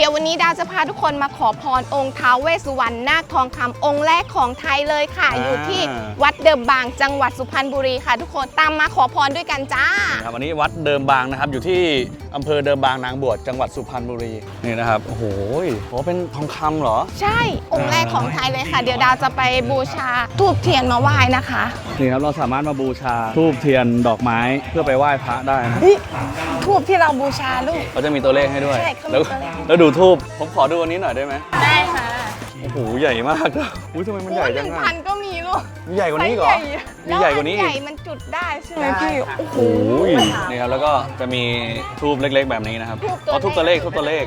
ดี๋ยววันนี้ดาวจะพาทุกคนมาขอพรองค์ท้าวเวสสุวรรณนาคทองคำองค์แรกของไทยเลยค่ะอยู่ที่วัดเดิมบางจังหวัดสุพรรณบุรีค่ะทุกคนตามมาขอพรด้วยกันจ้าครับวันนี้วัดเดิมบางนะครับอยู่ที่อำเภอเดิมบางนางบวชจังหวัดสุพรรณบุรีนี่นะครับโอ้โหเป็นทองคำเหรอใช่องค์แรกของไทยเลยค่ะเดี๋ยวดาวจะไปบูชาธูปเทียนมาไหว้นะคะนี่ครับเราสามารถมาบูชาธูปเทียนดอกไม้เพื่อไปไหว้พระได้นะธูปที่เราบูชาลูกเขาจะมีตัวเลขให้ด้วยใช่แล้วดูธูปผมขอดูอันนี้หน่อยได้ไหมได้ค่ะโอ้โหใหญ่มากอุ้ยทำไมมันใหญ่จังอ่ะ 1,000ก็มีลูกมีใหญ่กว่านี้เหรอมีใหญ่กว่านี้ใหญ่มันจุดได้ใช่ไหมพี่โอ้โหนี่ครับแล้วก็จะมีธูปเล็กๆแบบนี้นะครับธูปตัวเลข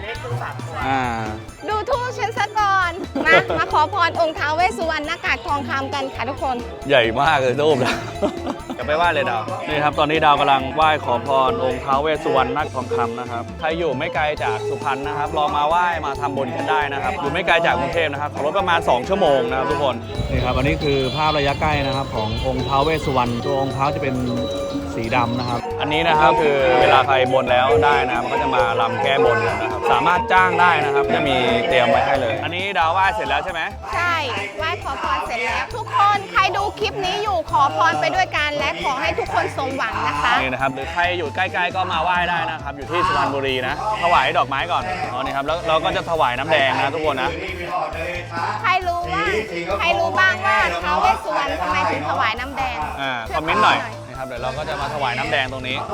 ดูธูปฉันซะก่อนมาขอพรองค์ท้าวเวสสุวรรณหน้ากากทองคำกันค่ะทุกคนใหญ่มากเลยธูปนะจะไปไหว้เลยดาวนี่ครับตอนนี้ดาวกำลังไหว้ขอพรองค์ท้าวเวสสุวรรณนาคทองคำนะครับใครอยู่ไม่ไกลจากสุพรรณนะครับลองมาไหว้มาทำบุญกันได้นะครับอยู่ไม่ไกลจากกรุงเทพนะครับขับรถประมาณ2 ชั่วโมงนะครับทุกคนนี่ครับอันนี้คือภาพระยะใกล้นะครับขององค์ท้าวเวสสุวรรณตัวองค์ท้าวจะเป็นสีดำนะครับอันนี้นะครับคือเวลาใครบนแล้วได้นะมันก็จะมารำแก้บนกันนะครับสามารถจ้างได้นะครับจะมีเตรียมไว้ให้เลยอันนี้ดาวไหว้เสร็จแล้วใช่ไหมใช่ไหว้ขอพรเสร็จแล้วทุกคนใครดูคลิปนี้อยู่ขอพรไปด้วยกันและขอให้ทุกคนสมหวังนะคะนี่นะครับหรือใครอยู่ใกล้ๆก็มาไหว้ได้นะครับอยู่ที่สุพรรณบุรีนะถวายดอกไม้ก่อนนี่ครับแล้วเราก็จะถวายน้ำแดงนะทุกคนนะใครรู้บ้างว่าท้าวเวสสุวรรณทำไมถึงถวายน้ำแดงคอมเมนต์หน่อยนะครับเดี๋ยวเราก็จะมาถวายน้ำแดงตรงนี้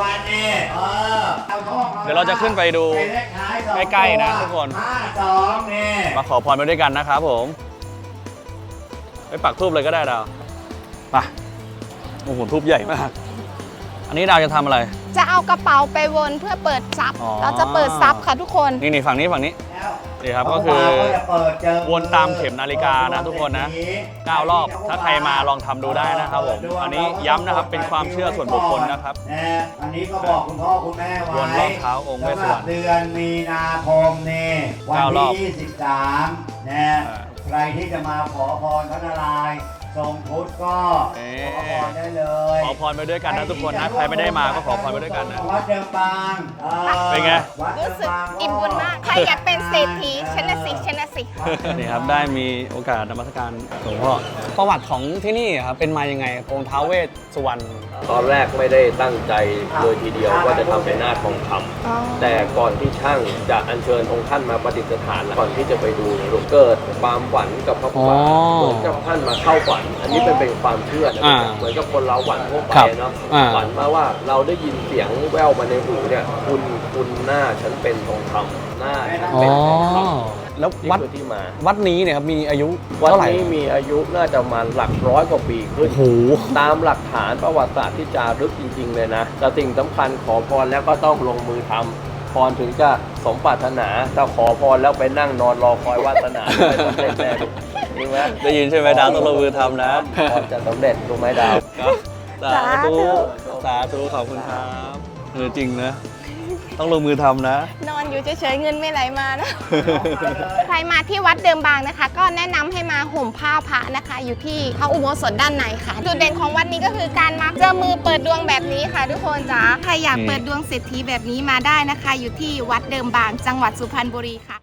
เดี๋ยวเราจะขึ้นไปดูใกล้ๆนะทุกคนมาขอพรไปด้วยกันนะครับผมไปปักธูปเลยก็ได้ดาวไปโอ้โหธูปใหญ่มากอันนี้ดาวจะทำอะไรจะเอากระเป๋าไปวนเพื่อเปิดซับเราจะเปิดซับค่ะทุกคนนี่ฝั่งนี้นี่ครับก็คือวนตามเข็มนาฬิกานะทุกคนนะ9 รอบถ้าใครมาลองทำดูได้นะครับผมอันนี้ย้ำนะครับเป็นความเชื่อส่วนบุคคลนะครับอันนี้ก็บอกคุณพ่อคุณแม่ไว้วนรอบเท้าองค์เวสสุวรรณเดือนมีนาคมนี่วันที่23นะใครที่จะมาขอพรพระนารายณ์ทรงพุทธก็ขอพรได้เลยขอพรไปด้วยกันนะทุกคนนะใครไม่ได้มาก็ขอพรไปด้วยกันนะวัดเดิมบางเป็นไงรู้สึกอิ่มบุญมากใครอยากเป็นเศรษฐีชนะสินี่ครับได้มีโอกาสนมัสการหลวงพ่อประวัติของที่นี่ครับเป็นมายังไงองค์ท้าวเวสสุวรรณตอนแรกไม่ได้ตั้งใจเลยทีเดียวว่าจะทำเป็นนาคทองคำแต่ก่อนที่ช่างจะอัญเชิญองค์ท่านมาประดิษฐานก่อนที่จะไปดูเนี่ยเกิดความฝันกับพระพุทธเหมือนกับท่านมาเข้าฝันอันนี้เป็นความเชื่อนะเหมือนกับคนเราฝันทั่วไปเนาะฝันมาว่าเราได้ยินเสียงแว่วมาในหูเนี่ยคุณหน้าฉันเป็นทองคำหน้าฉันเป็นทองคำแล้ววัดนี้เนี่ยครับมีอายุวัดนี้มีอายุน่าจะมาหลัก100 กว่าปีขึ้นตามหลักฐานประวัติศาสตร์ที่จารึกจริงๆเลยนะแต่สิ่งสำคัญขอพรแล้วก็ต้องลงมือทำพรถึงจะสมปรารถนาถ้าขอพรแล้วไปนั่งนอนรอคอยวาสนาไม่สำเร็จแน่ได้ยินใช่ไหมดาวต้องลงมือทำนะพรจะสำเร็จถูกไหมดาวสาธุขอบคุณครับจริงนะต้องลงมือทำนะนอนอยู่เฉยๆเงินไม่ไหลมานะใครมาที่วัดเดิมบางนะคะก็แนะนำให้มาห่มผ้าพระนะคะอยู่ที่พระอุโบสถด้านในค่ะจุดเด่นของวัดนี้ก็คือการมาเจอมือเปิดดวงแบบนี้ค่ะทุกคนจ๋าใครอยากเปิดดวงเศรษฐีแบบนี้มาได้นะคะอยู่ที่วัดเดิมบางจังหวัดสุพรรณบุรีค่ะ